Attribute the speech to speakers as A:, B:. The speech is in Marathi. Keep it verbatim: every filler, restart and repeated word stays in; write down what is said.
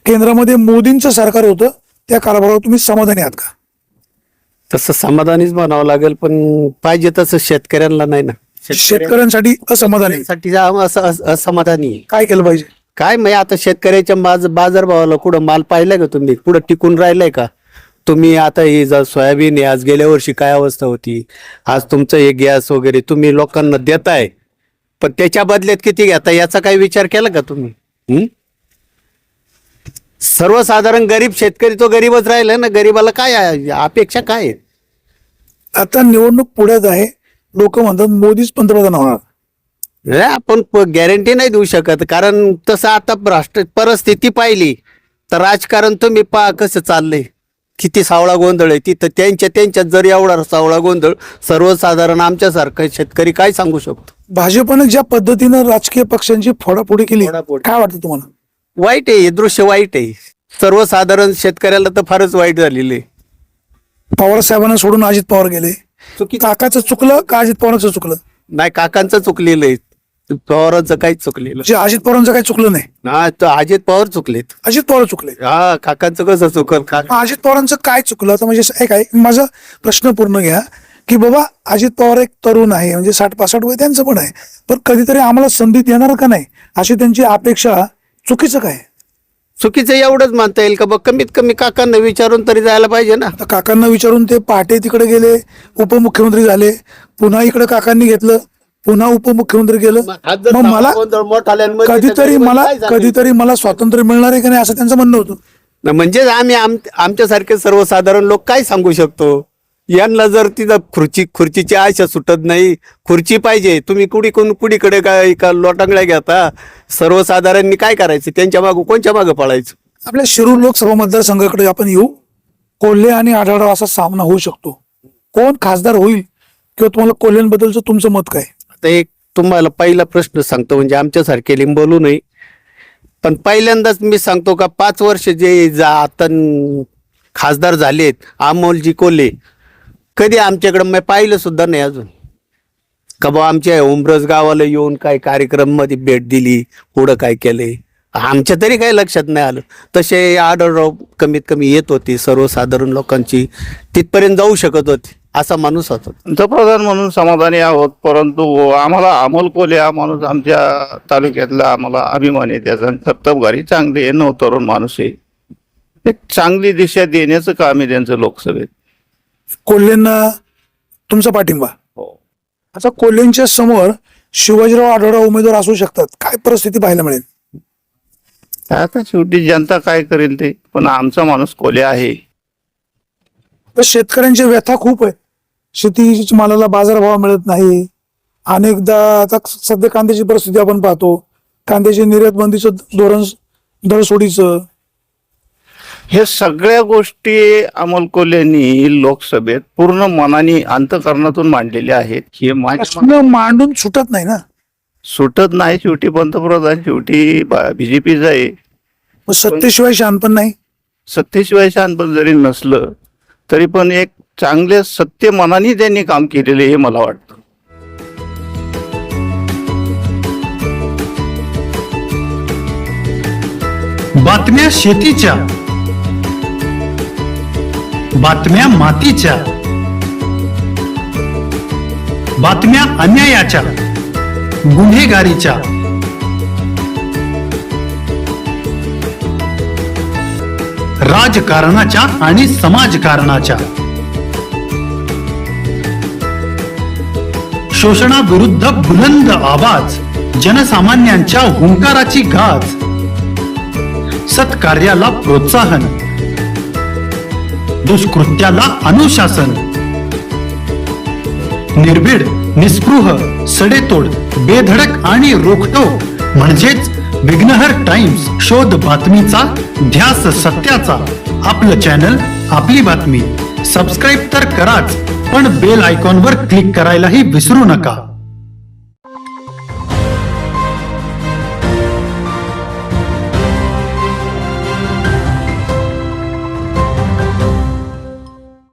A: केंद्रामध्ये मोदींचं सरकार होतं त्या कारभारावर तुम्ही समाधानी आहात का?
B: तसं समाधानीच म्हणावं लागेल, पण पाहिजे तसं शेतकऱ्यांना नाही ना.
A: शेतकऱ्यांसाठी असमाधानी आहे.
B: शेतकऱ्यांसाठी असं अस- असमाधानी आहे.
A: काय केलं पाहिजे?
B: काय म्हणजे आता शेतकऱ्याच्या बाज बाजारभावाला कुठं माल पाहिलाय का तुम्ही? कुठं टिकून राहिलाय का तुम्ही? आता ही जर सोयाबीन आहे, आज गेल्या वर्षी काय अवस्था होती, आज तुमचं हे गॅस वगैरे तुम्ही लोकांना देताय, पण त्याच्या बदल्यात किती घेता याचा काही विचार केला का तुम्ही? हम्म? सर्वसाधारण गरीब शेतकरी तो गरीबच राहिला ना. गरीबाला काय आहे? अपेक्षा काय आहे?
A: आता निवडणूक पुढ्यात आहे, लोक म्हणतात मोदीच पंतप्रधान होणार.
B: हे आपण गॅरंटी नाही देऊ शकत, कारण तसं आता राष्ट्र परिस्थिती पाहिली तर राजकारण तुम्ही पहा कसं चाललंय, किती सावळा गोंधळ आहे तिथं. त्यांच्या त्यांच्यात जर एवढा सावळा गोंधळ, सर्वसाधारण आमच्यासारखा शेतकरी काय सांगू शकतो?
A: भाजपने ज्या पद्धतीनं राजकीय पक्षांची फोडाफोडी केली,
B: फोडाफोडी.
A: काय वाटतं तुम्हाला?
B: वाईट आहे, हे दृश्य वाईट आहे. सर्वसाधारण शेतकऱ्याला तर फारच वाईट झालेलं आहे.
A: पवार साहेबांना सोडून अजित पवार गेले.
B: चुकी
A: काकाचं चुकलं का अजित पवारांचं चुकलं?
B: नाही, काकांचं चुकलेलं आहे, पवारांचं काहीच चुकलेलं
A: जे अजित पवारांचं काही चुकलं नाही,
B: ना. तर अजित पवार चुकलेत.
A: अजित पवार चुकले.
B: हा, काकांचं कसं चुकल? का
A: मग अजित पवारांचं काय चुकलं? तर म्हणजे एक आहे, माझा प्रश्न पूर्ण घ्या की बाबा अजित पवार एक तरुण आहे, म्हणजे साठ पासष्ट वय त्यांचं पण आहे, पण कधीतरी आम्हाला संधी देणार का नाही अशी त्यांची अपेक्षा. चुकीचं काय?
B: चुकीचं एवढंच मानता येईल का? बघ, कमीत कमी काकांना विचारून तरी जायला पाहिजे ना.
A: आता काकांना विचारून ते पहाटे तिकडे गेले, उपमुख्यमंत्री झाले, पुन्हा इकडे काकांनी घेतलं, पुन्हा उपमुख्यमंत्री गेलं. मग मला कधीतरी मला कधीतरी मला स्वातंत्र्य मिळणार आहे का नाही असं त्यांचं म्हणणं होतं.
B: म्हणजे आम्ही आम आमच्यासारखे सर्वसाधारण लोक काय सांगू शकतो? यांना जर तिथं खुर्ची खुर्चीची आशा सुटत नाही, खुर्ची पाहिजे, तुम्ही कुडी कोण कुडीकडे काय का लोटांगळ्या घेता? सर्वसाधारणनी काय करायचं? त्यांच्या मागं कोणच्या मागं पळायचं?
A: आपल्या शिरूर लोकसभा मतदारसंघाकडे आपण येऊ. कोल्हे आणि आढळराव असा सामना होऊ शकतो. कोण खासदार होईल किंवा तुम्हाला कोल्ह्यांबद्दलचं तुमचं मत काय?
B: आता एक तुम्हाला पहिला प्रश्न सांगतो, म्हणजे आमच्यासारखे लिंब बोलू नये, पण पहिल्यांदाच मी सांगतो का पाच वर्ष जे जा आता खासदार झालेत अमोलजी कोल्हे, कधी आमच्याकडे मी पाहिलं सुद्धा नाही अजून का बा आमच्या उमरस गावाला येऊन काय कार्यक्रम मध्ये भेट दिली, पुढं काय केलंय आमच्या तरी काही लक्षात नाही आलं. तसे आढळराव कमीत कमी येत होती, सर्वसाधारण लोकांची तिथपर्यंत जाऊ शकत होती, असा माणूस होता.
C: पंतप्रधान म्हणून समाधानी आहोत, परंतु आम्हाला अमोल कोल्हे हा माणूस आमच्या तालुक्यातला आम्हाला अभिमान आहे त्याचा. सप्तमगारी चांगली आहे, नऊ तरुण माणूस आहे, एक चांगली दिशा देण्याचं काम आहे त्यांचं लोकसभेत.
A: कोल्हेंना तुमचा पाठिंबा.
C: हो.
A: आता कोल्हेंच्या समोर शिवाजीराव आढळराव उमेदवार असू शकतात, काय परिस्थिती पाहायला मिळेल?
C: आता शेवटी जनता काय करेल ते, पण आमचा माणूस कोल्हे आहे.
A: तर शेतकऱ्यांची व्यथा खूप आहे, शेती मालाला बाजारभाव मिळत नाही. अनेकदा आता सध्या कांद्याची परिस्थिती आपण पाहतो, कांद्याची निर्यात बंदीचं धोरण, दरसोडीचं,
C: हे सगळ्या गोष्टी अमोल कोल्हेंनी लोकसभेत पूर्ण मनाने अंतःकरणातून मांडलेल्या आहेत. हे माझ्या
A: प्रश्न मांडून सुटत नाही ना.
C: सुटत नाही, शेवटी पंतप्रधान शेवटी बीजेपीचा आहे.
A: मग सत्तेशिवाय शानपण नाही.
C: सत्तेशिवाय शानपण जरी नसलं तरी पण एक चांगले सत्य मनाने त्यांनी काम केलेले हे मला वाटतं.
D: बातम्या शेतीच्या, बातम्या मातीच्या, बातम्या अन्यायाच्या, गुन्हेगारीच्या, राजकारणाच्या आणि समाजकारणाच्या, शोषणाविरुद्ध बुलंद आवाज, जनसामान्यांच्या हुंकाराची गाज, सत्कार्याला प्रोत्साहन, दुष्कृत्याला अनुशासन, निर्भीड, निस्पृह, सडेतोड, बेधडक आणि रोखटोक म्हणजेच विघ्नहर टाइम्स. शोध बातमीचा, ध्यास सत्याचा. आपलं चॅनल, आपली बातमी. सबस्क्राईब तर कराच, पण बेल आयकॉनवर क्लिक करायलाही विसरू नका.